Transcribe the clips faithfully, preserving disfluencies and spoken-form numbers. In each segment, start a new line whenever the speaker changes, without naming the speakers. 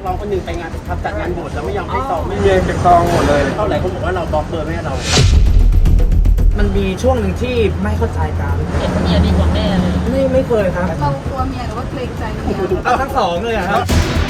ร้องคนหนึ่งไปงานทำจัดงานบวชแล้วไม่ยอมให้ซองไม่
เมียเก็บซองหมดเลย
เท่าไหร่คนบอกว่าเราบล็อกเบอร์แม่เรา
มันมีช่วงหนึ่งที่ไม่เข้าใจกัน
เห็นเมียดีกว่าแม่เลย
ไม่ไม่เคยครับ
เรากลัวเมียหรือว่าเกรงใจเมีย
เอาทั้งสองเลยอะครับ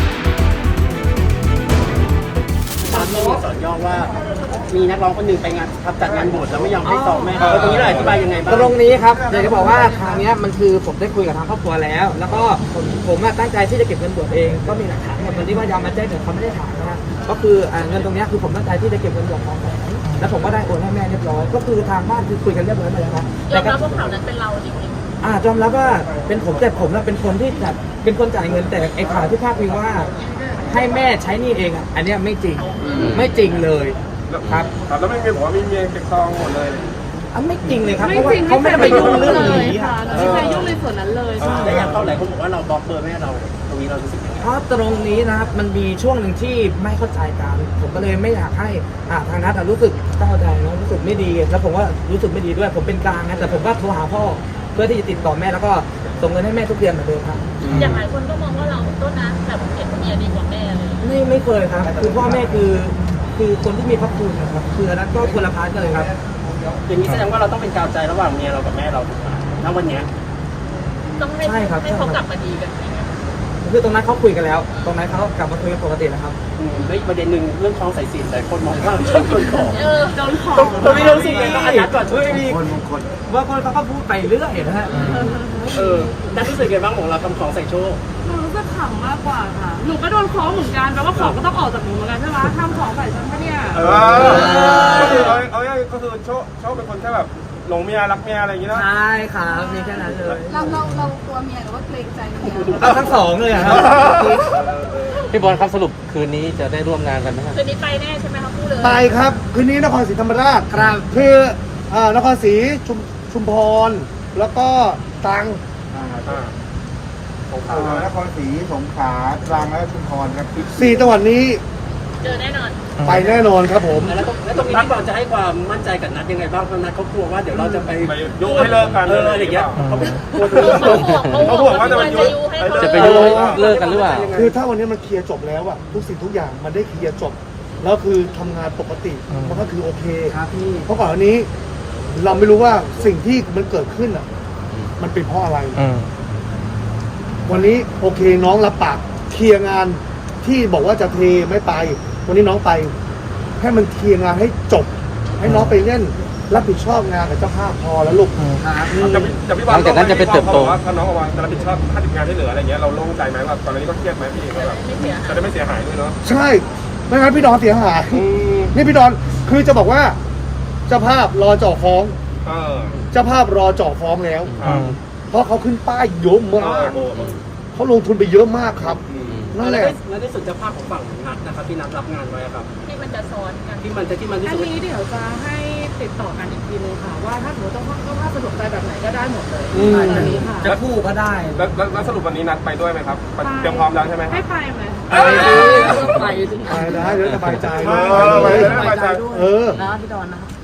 ตามที่มีสอนย่อว่า มีนักร้องคนหนึ่งไปงานทำจัดงานบวชแล้วไม่ยอมให้ซองแม่เขาตรงนี้เราอธิบายยังไงบ้าง
ตรงนี้ครับอยากจะบอกว่าทางเนี้ยมันคือผมได้คุยกับทางครอบครัวแล้ว แล้วก็ผมผมอะตั้งใจที่จะเก็บเงินบวชเองก็มีหลักฐานหมดวันที่ว่ายอมมาแจ้งแต่เขาไม่ได้ถามนะฮะก็คืออ่าเงินตรงเนี้ยคือผมตั้งใจที่จะเก็บเงินบวชของผมแล้วผมก็ได้โอนให้แม่เรียบร้อยก็คือทางบ้านคือคุยกันเรียบร้อยหมดแล้วครับ
ยอมรับว่าข่าวนั้นเป็นเราจริง
อ่ายอมรับว่าเป็นผมแต่ผมน่ะเป็นคนที่จัดเป็นคนจ่ายเงินแต่ไอ้ข่าวที่พาดพิงว่าให้แม่ใช้หนี้เองอ่ะอันเนี้ยไม่จริงไม่จริงเลยครับ
ครับแล้วไม่มีบอกว่ามีเมียเก็บซองหมดเลย
อ่ะไม่จริงเลยครับ
ไม่
เพราะว่า
จริง
เขาไม่ได้ไปยุ่งเรื่องนี้
ค่ะ
อะ
เราไม่เคยยุ่งในส่วนนั้นเลยค่ะ
และอย่างเท่าไหร่คนบอกว่าเราบล็อกเบอร์แม่เรา ตรงนี้เรารู้สึกยังไง
เพราะตรงนี้นะครับมันมีช่วงหนึ่งที่ไม่เข้าใจกันผมก็เลยไม่อยากให้อ่าทางนัทอ่ะรู้สึกเศร้าใจนะรู้สึกไม่ดีแล้วผมว่ารู้สึกไม่ดีด้วยผมเป็นกลางนะแต่ผมก็โทรหาพ่อเพื่อที่จะติดต่อแม่แล้วก็ส่งเงินให้แม่ทุกเดือนเหมือนเดิมครับ
ๆ อย่างหลายคนก็มองว่าเราต้นนะแบบเห็นเมียดีกว่าแม่เลย
ไม่ไม่เคยครับคือพ่อแม่คือคือคนที่มีพระคุณนะครับคืออันนั้นก็คนละพาร์ทกันเลยครับ
อย่างนี้แสดงว่าเราต้องเป็นกาวใจระหว่างเมียเรากับแม่เราถูกไหมณวันเนี้ย
ต้องให้
ใช่ครับ
ให้เขากลับมาดีกันจริงไหม
คือตรงนั้นเขาคุยกันแล้ว ตรงนั้นเขากลับมาคุยกันปกติแล้วครับ
อืมแล้วอีกประเด็นหนึ่งเรื่องคล้องสายสิญจน์แต่คนมองว่าชอบคนของ
เออ
โดนของ
ตรงนี้เรารู้สึกไงบ้างอันนัดก่อนช่วยมี
คนบางคนว่าคนเขาก็พูดไปเรื่อยนะฮะ
เออนัดรู้สึกไงบ้างของเราทำของใส่โชว์
หนูรู้สึกขำมากกว่าค่ะ หนูก็โดนคล้องเหมือนกันแปลว่าของก็ต้องออกจากหนูเหมือนกันใช่ไหมทำของใส่ฉันปะเนี่ย
เออก็คือเอาเอาง่ายๆก็คือโชคโชคเป็นคนแค่แบบหลงเมียรักเมียอะไรอย่างงี้เนาะ
ใช่ครับมีแค่นั้นเลย
เราเราเรากลัวเมียหรือว่าเกรงใจเมีย
เอาทั้งสองเลยอะครับ
พี่บอลครับสรุปคืนนี้จะได้ร่วมงานกันไหมครับ
คืนนี้ไปแน่ใช่ไหมคะพูดเลย
ไปครับคืนนี้นครศรีธรรมราช
ครับ
คืออ่านครศรีชุมชุมพร แล้วก็ตรัง
อ่าของ
อ่
เขา
านครศรีสงขลาตรังและชุมพรครับ
สี่จังหวัดนี้
เจอแน่นอน
ไปแน่นอนครับผม
แล้วตรงแล้วตรงนี้พี่บอลจะให้ความมั่นใจกับนัดยังไงบ้างเพราะนัดเขากลัวว่าเดี๋ยวเราจะไป
ไปยุให้เลิกกัน
เอออะไรอย่างเงี้ยเขากลัว
เขาห่วงเขาห่วงว่าจะไปยุ
จะไปยุเลิกกันหรือเปล่า
คือถ้าวันนี้มันเคลียร์จบแล้วอะทุกสิ่งทุกอย่างมันได้เคลียร์จบ แล้วคือทำงานปกติมันก็คือโอเค
ครับพี่
เพราะก่อนอันนี้เราไม่รู้ว่าสิ่งที่มันเกิดขึ้นอะมันเป็นเพราะอะไร วันนี้โอเคน้องรับปากเคลียร์งานที่บอกว่าจะเทไม่ไป วันนี้น้องไปให้มันเคลียร์งานให้จบ ให้น้องไปเล่นรับผิดชอบงานกับเจ้าภาพพอแล้วลูก
ครับ
จะจะพี่บอล
หลังจากนั้นจะเป็นเติบโต
ว่าถ้าน้องออกมาจะรับผิดชอบค่าติดงานที่เหลืออะไรเงี้ยเราโล่งใจไหมว่าตอนนี้ก็เครียดไหมพี่ว่าแบบ
ไม่เสีย
จะได้ไม่เสียหายด้วยเนาะ
ใช่ไม่งั้นพี่ดอนเสียหาย
อืม
นี่พี่ดอนคือจะบอกว่าเจ้าภาพรอจ่อฟ้อง
เออ
เจ้าภาพรอจ่อฟ้องแล้ว
อ่า
เพราะเขาขึ้นป้ายเยอะมาก
โอ้โห
เขาลงทุนไปเยอะมากครับ นั่นแหละ
แล้วในส่วนเจ้าภาพของฝั่งนัดนะครับที่นัดรับงานไว้อะครับ
ที่มันจะซ้อนกัน
ที่มันจะที่มันที่
อัน
สุด
นี้เดี๋ยวจะให้ติดต่อกันอีกทีนึงค่ะ ว่าถ้าสมมติต้องต้องถ้าสะดวกใจแบบไหนก็ได้หมดเลย
อืม
อันนี้ค่ะ
จะคู่ก็ได้
แล้วแล้วแล้วสรุปวันนี้นัดไปด้วยไหมครับไปเตรียมพร้อมแล้วใช่ไหม
ให้ไปไหม
ไปสิ
ไปได้เดี๋ยวสบายใจ
เออไปได้สบายใจ
เออ
แล้วพี่ดอนนะครับ